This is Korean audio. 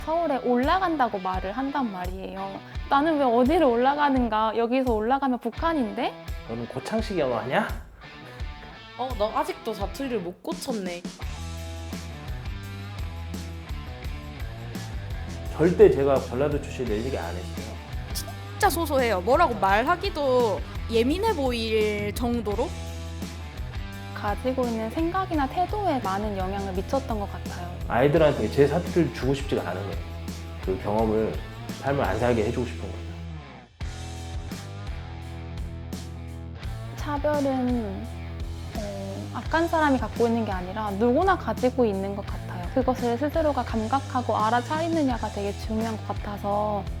서울에 올라간다고 말을 한단 말이에요. 나는 왜 어디를 올라가는가? 여기서 올라가면 북한인데? 너는 고창식 영어 하냐? 나 아직도 사투리를 못 고쳤네. 절대 제가 전라도 출신 내 얘기 안 했어요. 진짜 소소해요. 뭐라고 말하기도 예민해 보일 정도로. 가지고 있는 생각이나 태도에 많은 영향을 미쳤던 것 같아요. 아이들한테 제 사투리를 주고 싶지가 않은 거예요. 그 경험을 삶을 안 살게 해주고 싶은 거예요. 차별은 악한 사람이 갖고 있는 게 아니라 누구나 가지고 있는 것 같아요. 그것을 스스로가 감각하고 알아차리느냐가 되게 중요한 것 같아서